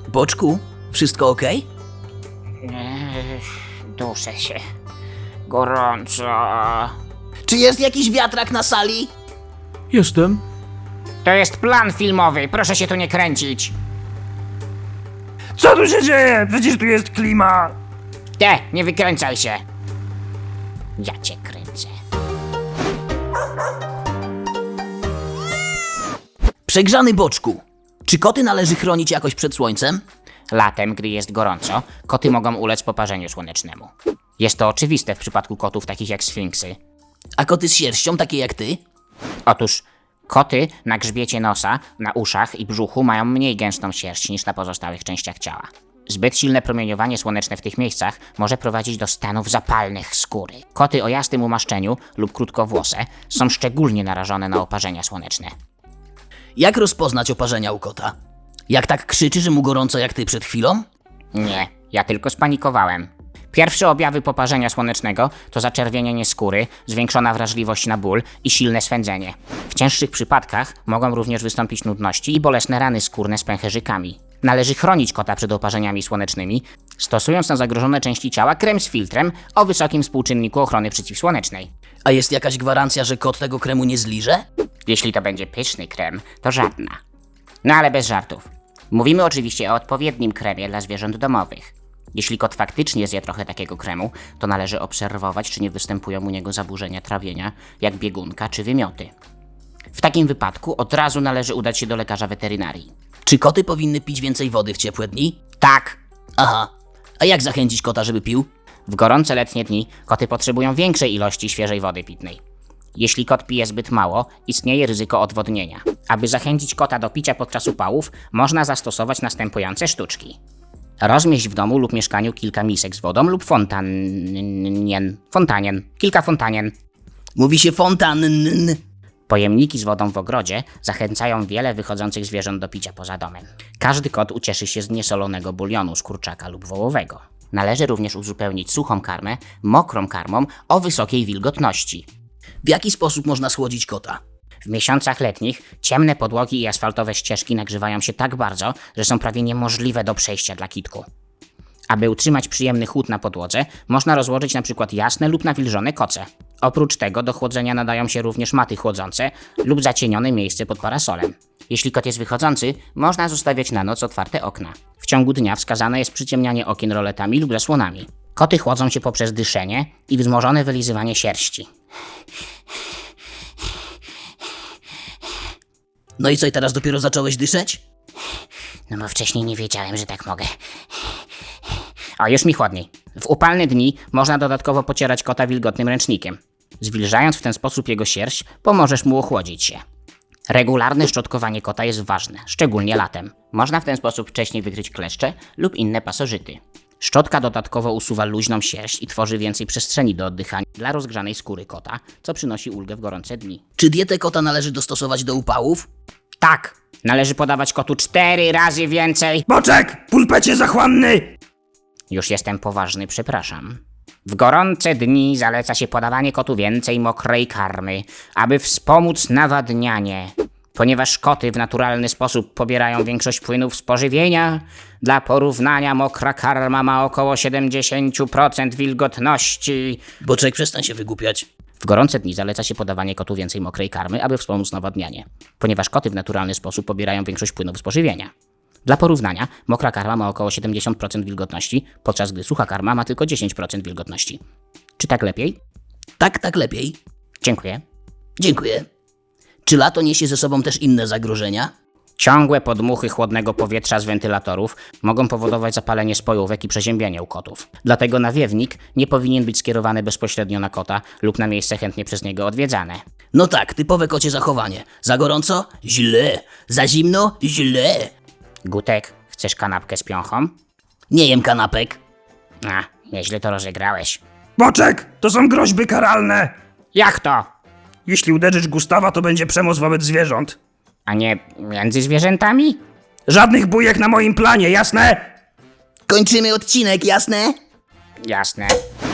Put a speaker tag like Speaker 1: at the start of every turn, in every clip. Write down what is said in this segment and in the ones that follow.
Speaker 1: Boczku, wszystko okej?
Speaker 2: Duszę się. Gorąco.
Speaker 1: Czy jest jakiś wiatrak na sali?
Speaker 3: Jestem.
Speaker 2: To jest plan filmowy, proszę się tu nie kręcić.
Speaker 3: Co tu się dzieje? Przecież tu jest klima.
Speaker 2: Nie wykręcaj się. Ja cię kręcę.
Speaker 1: Przegrzany Boczku, czy koty należy chronić jakoś przed słońcem?
Speaker 2: Latem, gdy jest gorąco, koty mogą ulec poparzeniu słonecznemu. Jest to oczywiste w przypadku kotów takich jak sfinksy.
Speaker 1: A koty z sierścią, takie jak ty?
Speaker 2: Otóż koty na grzbiecie nosa, na uszach i brzuchu mają mniej gęstą sierść niż na pozostałych częściach ciała. Zbyt silne promieniowanie słoneczne w tych miejscach może prowadzić do stanów zapalnych skóry. Koty o jasnym umaszczeniu lub krótkowłose są szczególnie narażone na oparzenia słoneczne.
Speaker 1: Jak rozpoznać oparzenia u kota? Jak tak krzyczy, że mu gorąco jak ty przed chwilą?
Speaker 2: Nie, ja tylko spanikowałem. Pierwsze objawy poparzenia słonecznego to zaczerwienienie skóry, zwiększona wrażliwość na ból i silne swędzenie. W cięższych przypadkach mogą również wystąpić nudności i bolesne rany skórne z pęcherzykami. Należy chronić kota przed oparzeniami słonecznymi, stosując na zagrożone części ciała krem z filtrem o wysokim współczynniku ochrony przeciwsłonecznej.
Speaker 1: A jest jakaś gwarancja, że kot tego kremu nie zliże?
Speaker 2: Jeśli to będzie pyszny krem, to żadna. No ale bez żartów. Mówimy oczywiście o odpowiednim kremie dla zwierząt domowych. Jeśli kot faktycznie zje trochę takiego kremu, to należy obserwować, czy nie występują u niego zaburzenia trawienia, jak biegunka czy wymioty. W takim wypadku od razu należy udać się do lekarza weterynarii.
Speaker 1: Czy koty powinny pić więcej wody w ciepłe dni?
Speaker 2: Tak!
Speaker 1: Aha. A jak zachęcić kota, żeby pił?
Speaker 2: W gorące letnie dni koty potrzebują większej ilości świeżej wody pitnej. Jeśli kot pije zbyt mało, istnieje ryzyko odwodnienia. Aby zachęcić kota do picia podczas upałów, można zastosować następujące sztuczki. Rozmieść w domu lub mieszkaniu kilka misek z wodą lub kilka fontanien.
Speaker 1: Mówi się fontan.
Speaker 2: Pojemniki z wodą w ogrodzie zachęcają wiele wychodzących zwierząt do picia poza domem. Każdy kot ucieszy się z niesolonego bulionu z kurczaka lub wołowego. Należy również uzupełnić suchą karmę mokrą karmą o wysokiej wilgotności.
Speaker 1: W jaki sposób można schłodzić kota?
Speaker 2: W miesiącach letnich ciemne podłogi i asfaltowe ścieżki nagrzewają się tak bardzo, że są prawie niemożliwe do przejścia dla kitku. Aby utrzymać przyjemny chłód na podłodze, można rozłożyć np. jasne lub nawilżone koce. Oprócz tego do chłodzenia nadają się również maty chłodzące lub zacienione miejsce pod parasolem. Jeśli kot jest wychodzący, można zostawiać na noc otwarte okna. W ciągu dnia wskazane jest przyciemnianie okien roletami lub zasłonami. Koty chłodzą się poprzez dyszenie i wzmożone wylizywanie sierści.
Speaker 1: No i co, i teraz dopiero zacząłeś dyszeć?
Speaker 2: No bo wcześniej nie wiedziałem, że tak mogę. O, już mi chłodniej. W upalne dni można dodatkowo pocierać kota wilgotnym ręcznikiem. Zwilżając w ten sposób jego sierść, pomożesz mu ochłodzić się. Regularne szczotkowanie kota jest ważne, szczególnie latem. Można w ten sposób wcześniej wykryć kleszcze lub inne pasożyty. Szczotka dodatkowo usuwa luźną sierść i tworzy więcej przestrzeni do oddychania dla rozgrzanej skóry kota, co przynosi ulgę w gorące dni.
Speaker 1: Czy dietę kota należy dostosować do upałów?
Speaker 2: Tak! Należy podawać kotu 4 razy więcej.
Speaker 3: Boczek! Pulpecie zachłanny!
Speaker 2: Już jestem poważny, przepraszam. W gorące dni zaleca się podawanie kotu więcej mokrej karmy, aby wspomóc nawadnianie. Ponieważ koty w naturalny sposób pobierają większość płynów z pożywienia, dla porównania mokra karma ma około 70% wilgotności.
Speaker 1: Boczek, przestań się wygłupiać.
Speaker 2: W gorące dni zaleca się podawanie kotu więcej mokrej karmy, aby wspomóc nawadnianie. Ponieważ koty w naturalny sposób pobierają większość płynów z pożywienia. Dla porównania, mokra karma ma około 70% wilgotności, podczas gdy sucha karma ma tylko 10% wilgotności. Czy tak lepiej?
Speaker 1: Tak lepiej.
Speaker 2: Dziękuję.
Speaker 1: Dziękuję. Czy lato niesie ze sobą też inne zagrożenia?
Speaker 2: Ciągłe podmuchy chłodnego powietrza z wentylatorów mogą powodować zapalenie spojówek i przeziębienie u kotów. Dlatego nawiewnik nie powinien być skierowany bezpośrednio na kota lub na miejsce chętnie przez niego odwiedzane.
Speaker 1: No tak, typowe kocie zachowanie. Za gorąco? Źle. Za zimno? Źle.
Speaker 2: Gutek, chcesz kanapkę z piąchą?
Speaker 1: Nie jem kanapek.
Speaker 2: A, nieźle to rozegrałeś.
Speaker 3: Boczek! To są groźby karalne!
Speaker 2: Jak to?
Speaker 3: Jeśli uderzysz Gustawa, to będzie przemoc wobec zwierząt.
Speaker 2: A nie między zwierzętami?
Speaker 3: Żadnych bujek na moim planie, jasne?
Speaker 1: Kończymy odcinek, jasne?
Speaker 2: Jasne.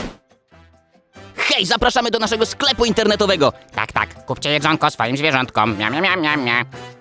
Speaker 1: Hej, zapraszamy do naszego sklepu internetowego.
Speaker 2: Tak, kupcie jedzonko swoim zwierzątkom. Mia, mia, mia, mia, mia.